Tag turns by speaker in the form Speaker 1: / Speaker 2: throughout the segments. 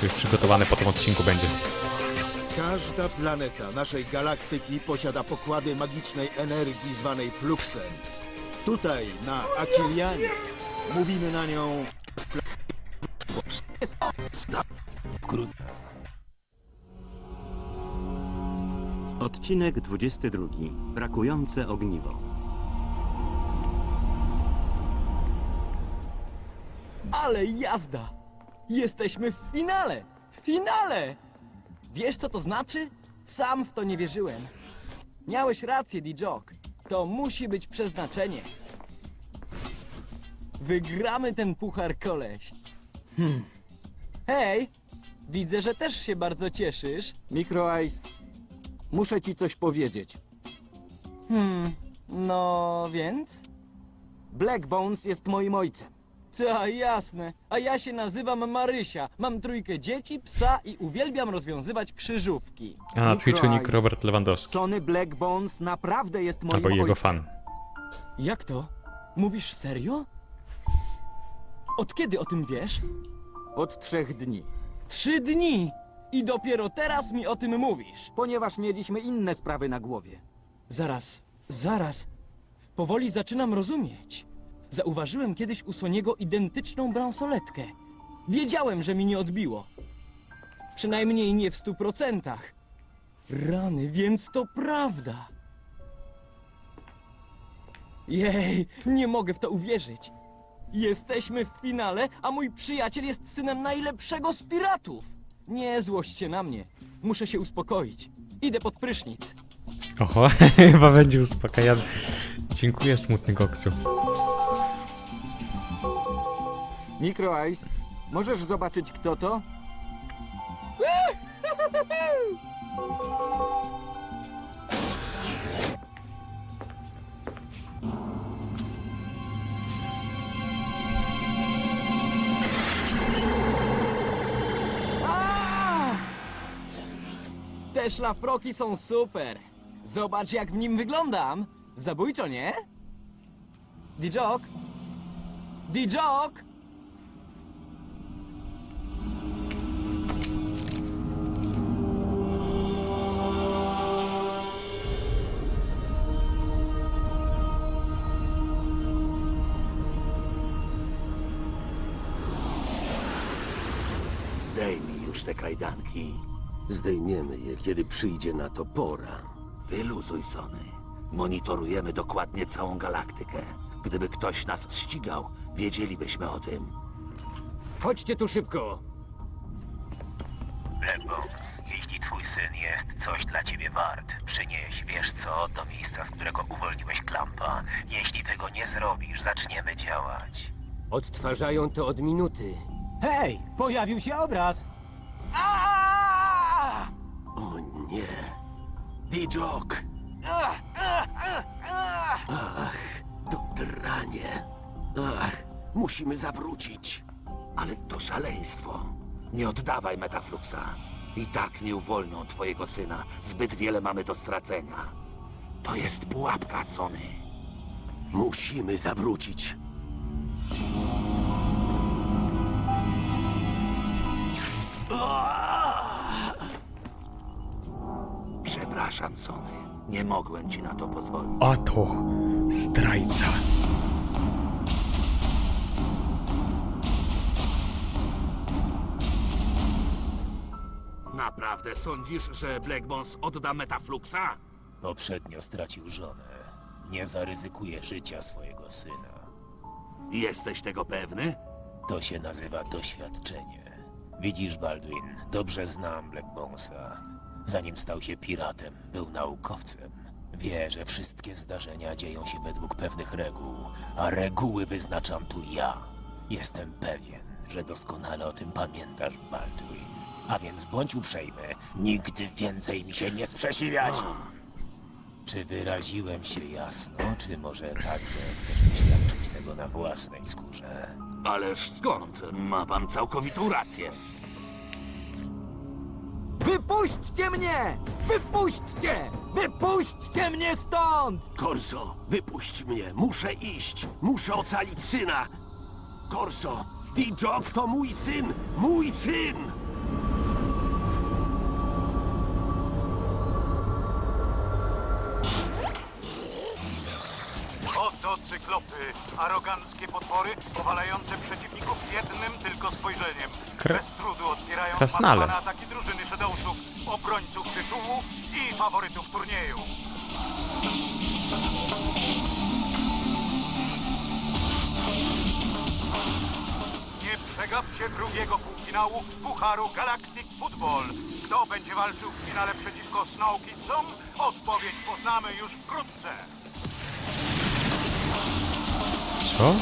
Speaker 1: Koksu już przygotowany po tym odcinku będzie.
Speaker 2: Każda planeta naszej galaktyki posiada pokłady magicznej energii zwanej fluxem. Tutaj, na Akilianie, mówimy na nią...
Speaker 3: Odcinek 22. Brakujące ogniwo.
Speaker 4: Ale jazda! Jesteśmy w finale! W finale! Wiesz, co to znaczy? Sam w to nie wierzyłem. Miałeś rację, D-Jock. To musi być przeznaczenie. Wygramy ten puchar, koleś. Hej! Widzę, że też się bardzo cieszysz.
Speaker 5: Micro Ice, muszę ci coś powiedzieć.
Speaker 4: No więc?
Speaker 5: Black Bones jest moim ojcem.
Speaker 4: Ta, jasne. A ja się nazywam Marysia. Mam 3 dzieci, psa i uwielbiam rozwiązywać krzyżówki.
Speaker 1: A na Twitchu nick
Speaker 5: Ice.
Speaker 1: Robert Lewandowski.
Speaker 5: Sony Black Bones naprawdę jest moim
Speaker 1: Albo jego
Speaker 5: ojcem.
Speaker 1: fan.
Speaker 4: Jak to? Mówisz serio? Od kiedy o tym wiesz?
Speaker 5: Od 3 dni.
Speaker 4: 3 dni! I dopiero teraz mi o tym mówisz.
Speaker 5: Ponieważ mieliśmy inne sprawy na głowie.
Speaker 4: Zaraz. Powoli zaczynam rozumieć. Zauważyłem kiedyś u Soniego identyczną bransoletkę. Wiedziałem, że mi nie odbiło. Przynajmniej nie w 100%. Rany, więc to prawda. Jej, nie mogę w to uwierzyć. Jesteśmy w finale, a mój przyjaciel jest synem najlepszego z piratów. Nie złość się na mnie. Muszę się uspokoić. Idę pod prysznic.
Speaker 1: Oho, chyba będzie uspokajany. Dziękuję, smutny Koksu.
Speaker 5: Micro Ice, możesz zobaczyć kto to?
Speaker 4: Te szlafroki są super. Zobacz, jak w nim wyglądam. Zabójczo, nie? D-Jock? D-Jock?
Speaker 6: Zdejmij już te kajdanki. Zdejmiemy je, kiedy przyjdzie na to pora. Wyluzuj, Sony. Monitorujemy dokładnie całą galaktykę. Gdyby ktoś nas ścigał, wiedzielibyśmy o tym.
Speaker 5: Chodźcie tu szybko.
Speaker 7: Black Bones, jeśli twój syn jest coś dla ciebie wart, przynieś, wiesz co, do miejsca, z którego uwolniłeś Klampa. Jeśli tego nie zrobisz, zaczniemy działać.
Speaker 8: Odtwarzają to od minuty.
Speaker 5: Hej, pojawił się obraz.
Speaker 6: O nie. D-Jock! Ach, to dranie. Ach, musimy zawrócić. Ale to szaleństwo. Nie oddawaj Metafluxa. I tak nie uwolnią twojego syna. Zbyt wiele mamy do stracenia. To jest pułapka, Sony. Musimy zawrócić. Przepraszam, Sony. Nie mogłem ci na to pozwolić.
Speaker 1: Oto zdrajca.
Speaker 6: Naprawdę sądzisz, że Black Bones odda Metafluxa?
Speaker 7: Poprzednio stracił żonę. Nie zaryzykuje życia swojego syna.
Speaker 6: Jesteś tego pewny?
Speaker 7: To się nazywa doświadczenie. Widzisz, Baldwin, dobrze znam Black Bonesa. Zanim stał się piratem, był naukowcem. Wie, że wszystkie zdarzenia dzieją się według pewnych reguł, a reguły wyznaczam tu ja. Jestem pewien, że doskonale o tym pamiętasz, Baldwin. A więc bądź uprzejmy, nigdy więcej mi się nie sprzeciwiać! Czy wyraziłem się jasno, czy może także chcesz doświadczyć tego na własnej skórze?
Speaker 6: Ależ skąd? Ma pan całkowitą rację.
Speaker 5: Wypuśćcie mnie! Wypuśćcie! Wypuśćcie mnie stąd!
Speaker 6: Corso, wypuść mnie. Muszę iść. Muszę ocalić syna. Corso, D-Jock to mój syn! Mój syn!
Speaker 9: Cyklopy, aroganckie potwory, powalające przeciwników jednym tylko spojrzeniem. Bez trudu odpierają
Speaker 1: Krasnale.
Speaker 9: zmasowane ataki drużyny Shadowsów, obrońców tytułu i faworytów turnieju. Nie przegapcie drugiego półfinału Pucharu Galactic Football. Kto będzie walczył w finale przeciwko Snow Kidsom? Odpowiedź poznamy już wkrótce.
Speaker 1: Co?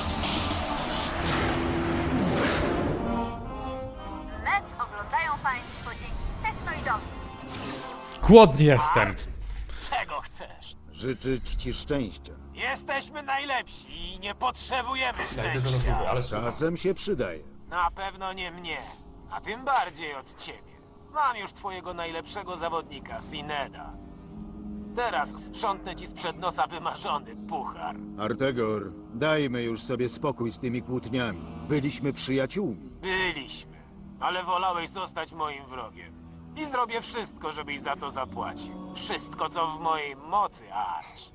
Speaker 10: Mecz oglądają Państwo dzięki Technoidowi.
Speaker 1: Głodny jestem.
Speaker 7: Czego chcesz?
Speaker 2: Życzyć ci szczęścia.
Speaker 7: Jesteśmy najlepsi i nie potrzebujemy szczęścia.
Speaker 2: Czasem się przydaje.
Speaker 7: Na pewno nie mnie, a tym bardziej od ciebie. Mam już twojego najlepszego zawodnika, Sineda. Teraz sprzątnę ci sprzed nosa wymarzony puchar.
Speaker 2: Artegor, dajmy już sobie spokój z tymi kłótniami. Byliśmy przyjaciółmi.
Speaker 7: Byliśmy, ale wolałeś zostać moim wrogiem. I zrobię wszystko, żebyś za to zapłacił. Wszystko, co w mojej mocy, Arch.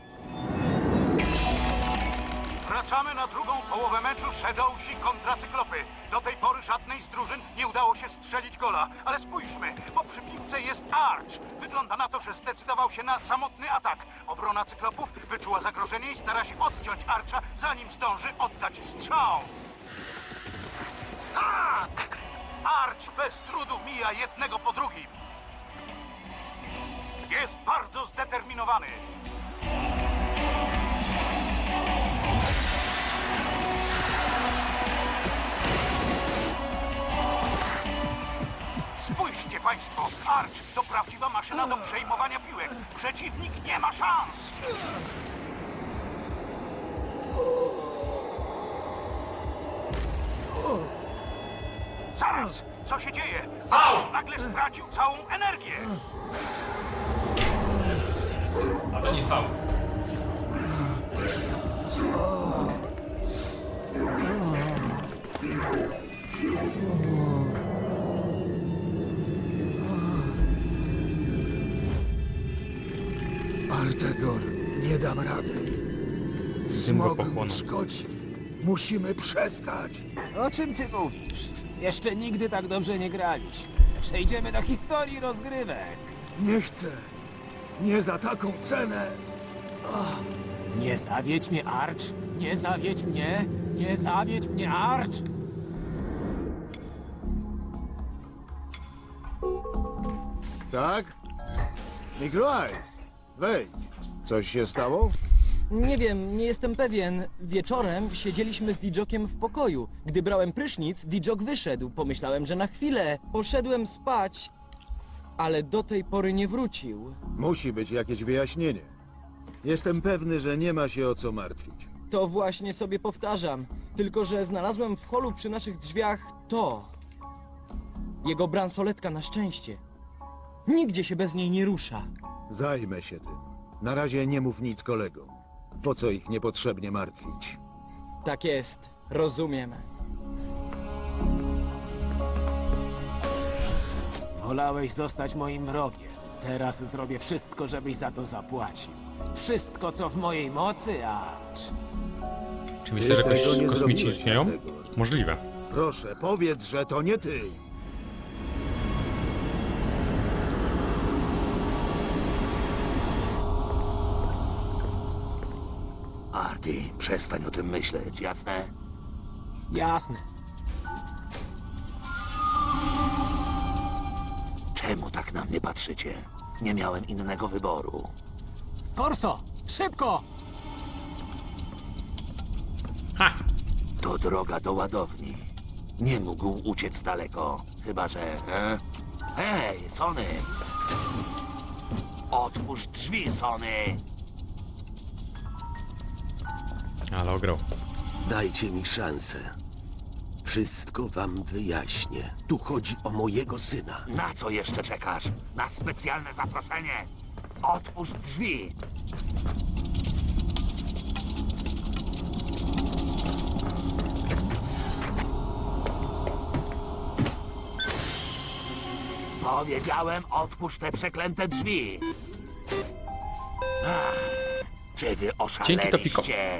Speaker 9: Wracamy na drugą połowę meczu Shadowsi kontra Cyklopy. Do tej pory żadnej z drużyn nie udało się strzelić gola. Ale spójrzmy, bo przy piłce jest Arch. Wygląda na to, że zdecydował się na samotny atak. Obrona Cyklopów wyczuła zagrożenie i stara się odciąć Archa, zanim zdąży oddać strzał. Tak! Arch bez trudu mija jednego po drugim. Jest bardzo zdeterminowany. Spójrzcie Państwo, Arch to prawdziwa maszyna do przejmowania piłek. Przeciwnik nie ma szans. Zaraz, co się dzieje? Arch nagle stracił całą energię.
Speaker 11: A to nie faul.
Speaker 2: Artegor, nie dam rady.
Speaker 1: Syn go
Speaker 2: Smog mi
Speaker 1: pochłonął.
Speaker 2: szkodzi. Musimy przestać.
Speaker 7: O czym ty mówisz? Jeszcze nigdy tak dobrze nie graliśmy. Przejdziemy do historii rozgrywek.
Speaker 2: Nie chcę. Nie za taką cenę.
Speaker 7: Nie zawiedź mnie, Arch! Nie zawiedź mnie! Nie zawiedź mnie, Arch!
Speaker 2: Tak? Microice, wejdź. Coś się stało?
Speaker 4: Nie wiem, nie jestem pewien. Wieczorem siedzieliśmy z Dijokiem w pokoju. Gdy brałem prysznic, Dijok wyszedł. Pomyślałem, że na chwilę. Poszedłem spać, ale do tej pory nie wrócił.
Speaker 2: Musi być jakieś wyjaśnienie. Jestem pewny, że nie ma się o co martwić.
Speaker 4: To właśnie sobie powtarzam. Tylko że znalazłem w holu przy naszych drzwiach to. Jego bransoletka na szczęście. Nigdzie się bez niej nie rusza.
Speaker 2: Zajmę się tym. Na razie nie mów nic kolegom. Po co ich niepotrzebnie martwić?
Speaker 4: Tak jest, rozumiem.
Speaker 7: Wolałeś zostać moim wrogiem. Teraz zrobię wszystko, żebyś za to zapłacił. Wszystko, co w mojej mocy, Arch.
Speaker 1: Czy myślę, że
Speaker 2: Ty tego
Speaker 1: jakoś
Speaker 2: nie
Speaker 1: kosmici
Speaker 2: zrobiłeś,
Speaker 1: istnieją?
Speaker 2: Artegor.
Speaker 1: Możliwe.
Speaker 2: Proszę, powiedz, że to nie ty.
Speaker 6: Arty, przestań o tym myśleć, jasne?
Speaker 7: Jasne.
Speaker 6: Czemu tak na mnie patrzycie? Nie miałem innego wyboru.
Speaker 7: Korso! Szybko!
Speaker 1: Ha!
Speaker 6: To droga do ładowni. Nie mógł uciec daleko. Chyba, że... Hej, Sony! Otwórz drzwi, Sony!
Speaker 1: Ale ograł.
Speaker 6: Dajcie mi szansę. Wszystko wam wyjaśnię. Tu chodzi o mojego syna. Na co jeszcze czekasz? Na specjalne zaproszenie? Otwórz drzwi! Powiedziałem, otwórz te przeklęte drzwi. Czy wy
Speaker 1: Dzięki, Tofiko.
Speaker 6: oszaleliście?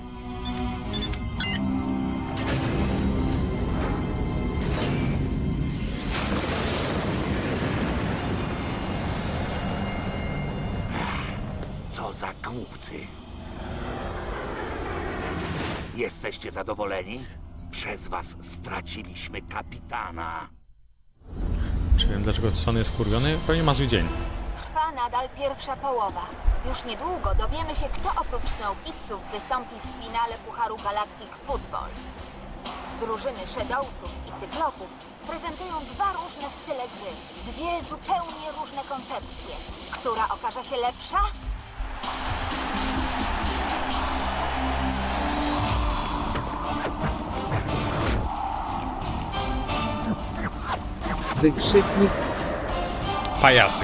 Speaker 6: Co za głupcy. Jesteście zadowoleni? Przez was straciliśmy kapitana.
Speaker 1: Czy wiem, dlaczego Sony jest wkurwiony? Pewnie ma zły dzień.
Speaker 10: Trwa nadal pierwsza połowa. Już niedługo dowiemy się, kto oprócz Snowkidsów wystąpi w finale Pucharu Galactic Football. Drużyny Shadowsów i Cyklopów prezentują dwa różne style gry. Dwie zupełnie różne koncepcje. Która okaże się lepsza?
Speaker 4: Wykrzyknik
Speaker 1: Pajacyk.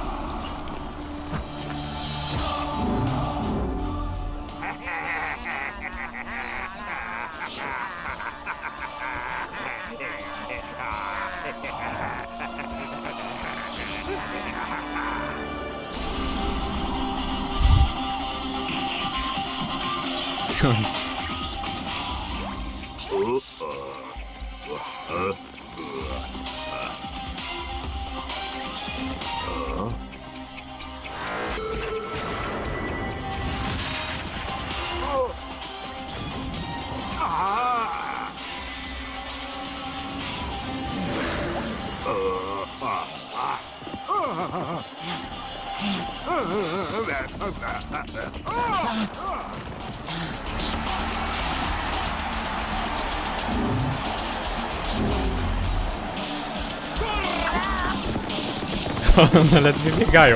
Speaker 1: One ledwie biegają.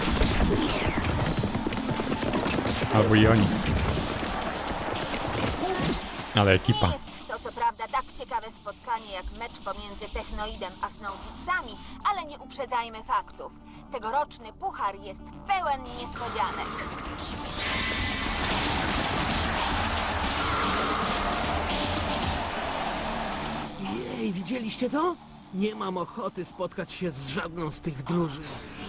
Speaker 1: Albo i oni. Ale ekipa.
Speaker 10: Nie jest to co prawda tak ciekawe spotkanie jak mecz pomiędzy Technoidem a Snowkidsami, ale nie uprzedzajmy faktów. Tegoroczny puchar jest pełen niespodzianek.
Speaker 8: Jej, widzieliście to? Nie mam ochoty spotkać się z żadną z tych drużyn.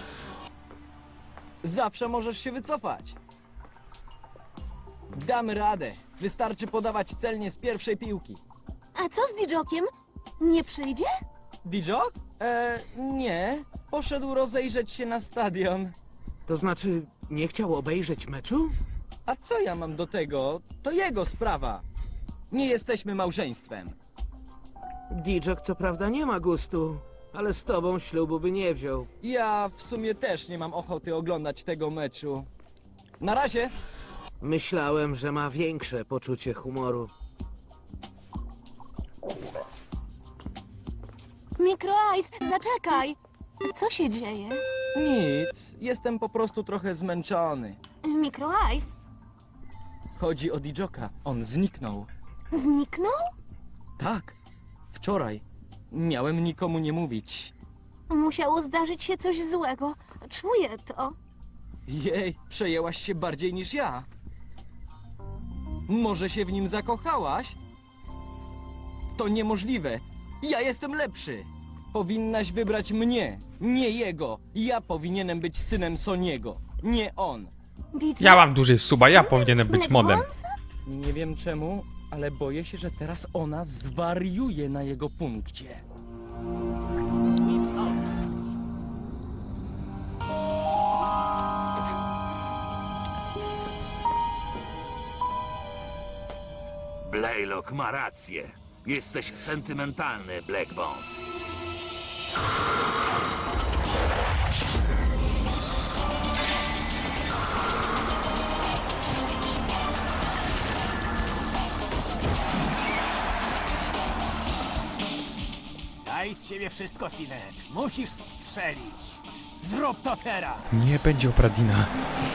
Speaker 4: zawsze możesz się wycofać. Damy radę. Wystarczy podawać celnie z pierwszej piłki.
Speaker 12: A co z Didżokiem? Nie przyjdzie?
Speaker 4: Dijok? Nie. Poszedł rozejrzeć się na stadion.
Speaker 8: To znaczy, nie chciał obejrzeć meczu?
Speaker 4: A co ja mam do tego? To jego sprawa. Nie jesteśmy małżeństwem.
Speaker 8: Didżok co prawda nie ma gustu, ale z tobą ślubu by nie wziął.
Speaker 4: Ja w sumie też nie mam ochoty oglądać tego meczu. Na razie.
Speaker 8: Myślałem, że ma większe poczucie humoru.
Speaker 12: Micro Ice, zaczekaj! Co się dzieje?
Speaker 4: Nic. Jestem po prostu trochę zmęczony.
Speaker 12: Micro Ice?
Speaker 4: Chodzi o Dijoka. On zniknął.
Speaker 12: Zniknął?
Speaker 4: Tak. Wczoraj. Miałem nikomu nie mówić.
Speaker 12: Musiało zdarzyć się coś złego. Czuję to.
Speaker 4: Jej, przejęłaś się bardziej niż ja. Może się w nim zakochałaś? To niemożliwe. Ja jestem lepszy. Powinnaś wybrać mnie, nie jego. Ja powinienem być synem Soniego, nie on.
Speaker 12: Didżok?
Speaker 1: Ja mam dłużej suba, ja powinienem być modem.
Speaker 12: Blackbones?
Speaker 4: Nie wiem czemu, ale boję się, że teraz ona zwariuje na jego punkcie.
Speaker 6: Blaylock ma rację. Jesteś sentymentalny, Black Bones.
Speaker 7: Daj z siebie wszystko, Sinet. Musisz strzelić. Zrób to teraz.
Speaker 1: Nie będzie Opradina.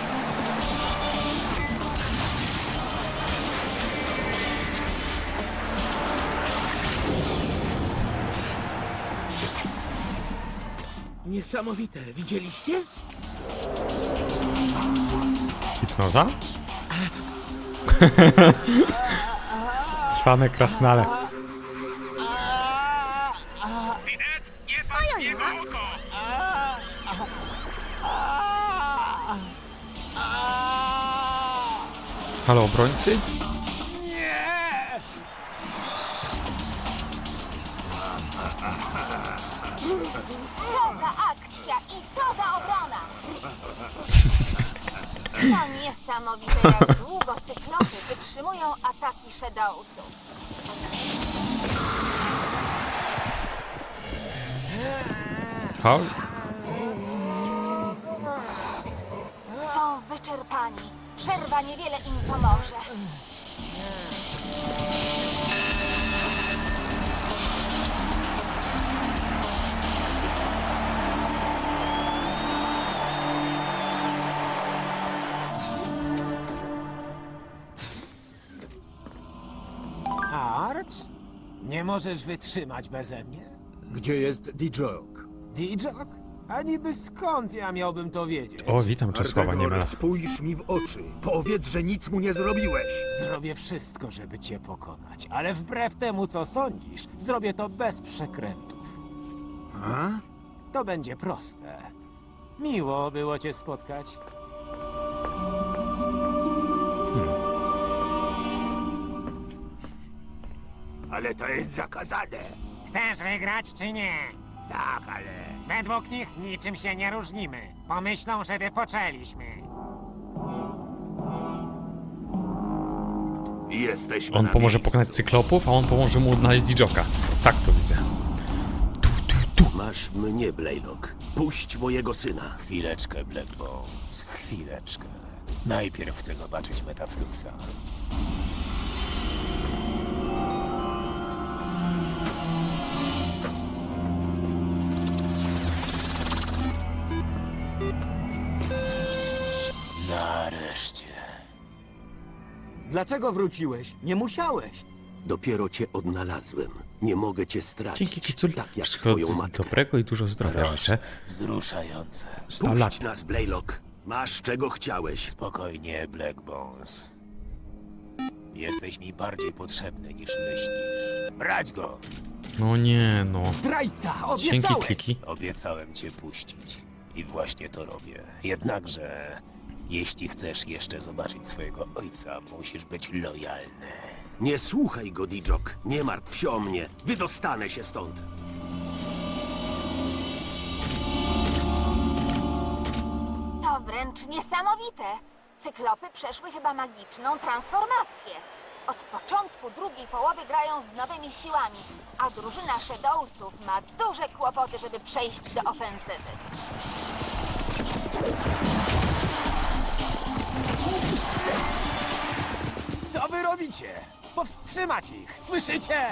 Speaker 8: Niesamowite, widzieliście?
Speaker 1: Hipnoza? Cwane krasnale.
Speaker 9: Sinet, nie patrz w jego oko!
Speaker 1: Halo, obrońcy?
Speaker 10: Co za akcja i co za obrona! To niesamowite, jak długo cyklopy wytrzymują ataki Shadowsów.
Speaker 1: Halo?
Speaker 10: Są wyczerpani. Przerwa niewiele im pomoże.
Speaker 7: Arch? Nie możesz wytrzymać beze mnie?
Speaker 2: Gdzie jest Dijok?
Speaker 7: Dijok? A niby skąd ja miałbym to wiedzieć?
Speaker 1: O, witam Czesława
Speaker 2: Artegor,
Speaker 1: Niemela.
Speaker 2: spójrz mi w oczy. Powiedz, że nic mu nie zrobiłeś.
Speaker 7: Zrobię wszystko, żeby cię pokonać, ale wbrew temu, co sądzisz, zrobię to bez przekrętów.
Speaker 2: A?
Speaker 7: To będzie proste. Miło było cię spotkać.
Speaker 6: Ale to jest zakazane.
Speaker 13: Chcesz wygrać czy nie?
Speaker 6: Tak, ale...
Speaker 13: Według nich niczym się nie różnimy. Pomyślą, że wypoczęliśmy.
Speaker 6: Jesteśmy
Speaker 1: On
Speaker 6: na
Speaker 1: pomoże
Speaker 6: miejscu.
Speaker 1: pokonać cyklopów, a on pomoże mu odnaleźć Dijoka. Tak to widzę.
Speaker 6: Masz mnie, Blaylock. Puść mojego syna.
Speaker 7: Chwileczkę, Black Bones, chwileczkę. Najpierw chcę zobaczyć Metafluxa. Nareszcie.
Speaker 4: Dlaczego wróciłeś? Nie musiałeś.
Speaker 6: Dopiero cię odnalazłem. Nie mogę cię stracić.
Speaker 1: Dzięki Kicul.
Speaker 6: Tak jak
Speaker 1: Wszystkiego
Speaker 6: twoją matkę.
Speaker 1: dobrego i dużo zdrowia życzę.
Speaker 7: Wzruszające.
Speaker 1: 100 lat.
Speaker 6: Puść nas, Blaylock. Masz czego chciałeś.
Speaker 7: Spokojnie, Black Bones. Jesteś mi bardziej potrzebny niż myślisz. Brać go!
Speaker 1: No nie, no.
Speaker 4: Zdrajca!
Speaker 1: Dzięki
Speaker 4: Obiecałeś!
Speaker 1: kliki.
Speaker 7: Obiecałem cię puścić. I właśnie to robię. Jednakże, jeśli chcesz jeszcze zobaczyć swojego ojca, musisz być lojalny.
Speaker 6: Nie słuchaj go, Dijok. Nie martw się o mnie. Wydostanę się stąd.
Speaker 10: To wręcz niesamowite. Cyklopy przeszły chyba magiczną transformację. Od początku drugiej połowy grają z nowymi siłami, a drużyna Shadowsów ma duże kłopoty, żeby przejść do ofensywy.
Speaker 7: Co wy robicie? Powstrzymać ich! Słyszycie?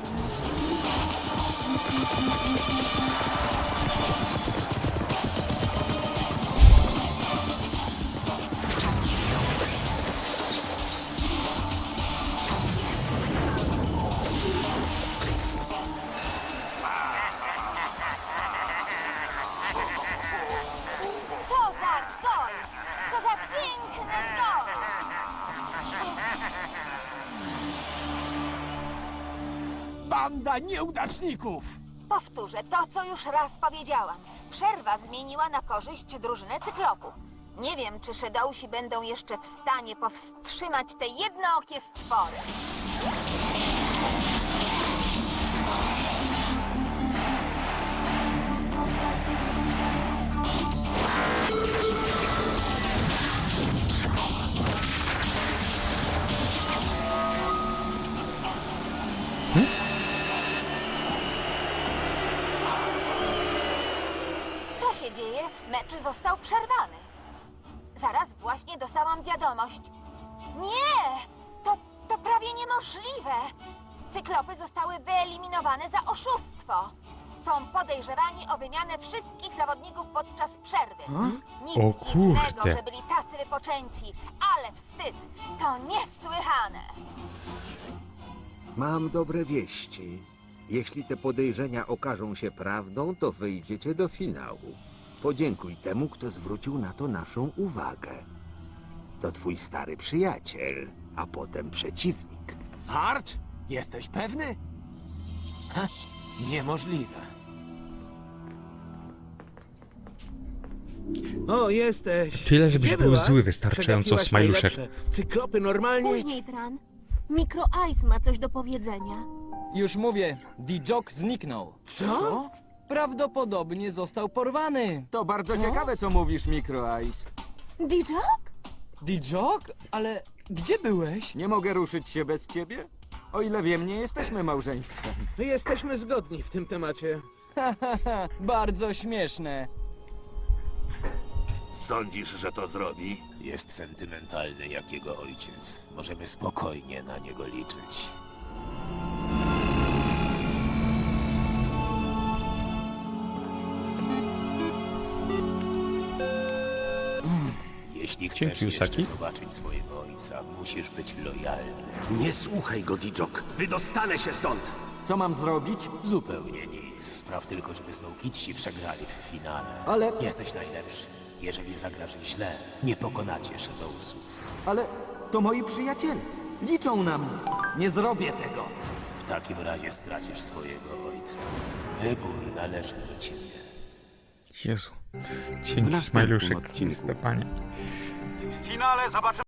Speaker 10: Co za gol! Co za piękny gol!
Speaker 7: Banda nieudaczników!
Speaker 10: Powtórzę to, co już raz powiedziałam. Przerwa zmieniła na korzyść drużynę cyklopów. Nie wiem, czy Shadowsi będą jeszcze w stanie powstrzymać te jednookie stwory. Co się dzieje? Mecz został przerwany. Zaraz właśnie dostałam wiadomość. Nie! To prawie niemożliwe! Cyklopy zostały wyeliminowane za oszustwo. Są podejrzewani o wymianę wszystkich zawodników podczas przerwy. Nic
Speaker 1: O
Speaker 10: dziwnego,
Speaker 1: kurde.
Speaker 10: że byli tacy wypoczęci, ale wstyd! To niesłychane!
Speaker 14: Mam dobre wieści. Jeśli te podejrzenia okażą się prawdą, to wyjdziecie do finału. Podziękuj temu, kto zwrócił na to naszą uwagę. To twój stary przyjaciel, a potem przeciwnik.
Speaker 7: Arch? Jesteś pewny? Ha? Niemożliwe.
Speaker 8: O, jesteś.
Speaker 1: Tyle, żebyś
Speaker 8: Gdzie
Speaker 1: był
Speaker 8: byłaś?
Speaker 1: zły wystarczająco,
Speaker 8: Przegapiłaś
Speaker 1: Smajluszek.
Speaker 8: najlepsze. Cyklopy normalnie...
Speaker 12: Później, Tran. Micro Ice ma coś do powiedzenia.
Speaker 4: Już mówię, D-Jock zniknął.
Speaker 8: Co?
Speaker 4: Prawdopodobnie został porwany.
Speaker 5: To bardzo ciekawe, co mówisz, Micro Ice.
Speaker 12: D-Jock?
Speaker 4: D-Jock? Ale gdzie byłeś?
Speaker 5: Nie mogę ruszyć się bez ciebie? O ile wiem, nie jesteśmy małżeństwem.
Speaker 8: My jesteśmy zgodni w tym temacie.
Speaker 4: Bardzo śmieszne.
Speaker 6: Sądzisz, że to zrobi?
Speaker 7: Jest sentymentalny jak jego ojciec. Możemy spokojnie na niego liczyć. Jeśli chcesz
Speaker 1: Dzięki,
Speaker 7: jeszcze
Speaker 1: Usagi.
Speaker 7: zobaczyć swojego ojca, musisz być lojalny.
Speaker 6: Nie słuchaj go, D-Jock. Wydostanę się stąd.
Speaker 5: Co mam zrobić?
Speaker 7: Zupełnie nic. Spraw tylko, żeby Snow Kidsi przegrali w finale.
Speaker 5: Ale-
Speaker 7: Jesteś najlepszy. Jeżeli zagrasz źle, nie pokonacie Shadowsów.
Speaker 5: Ale to moi przyjaciele. Liczą na mnie. Nie zrobię tego.
Speaker 7: W takim razie stracisz swojego ojca. Wybór należy do ciebie.
Speaker 1: Jezu.
Speaker 3: W
Speaker 1: Dzięki,
Speaker 3: następnym
Speaker 1: Smajluszek.
Speaker 3: odcinku.
Speaker 1: Stefanie.
Speaker 9: W finale zobaczymy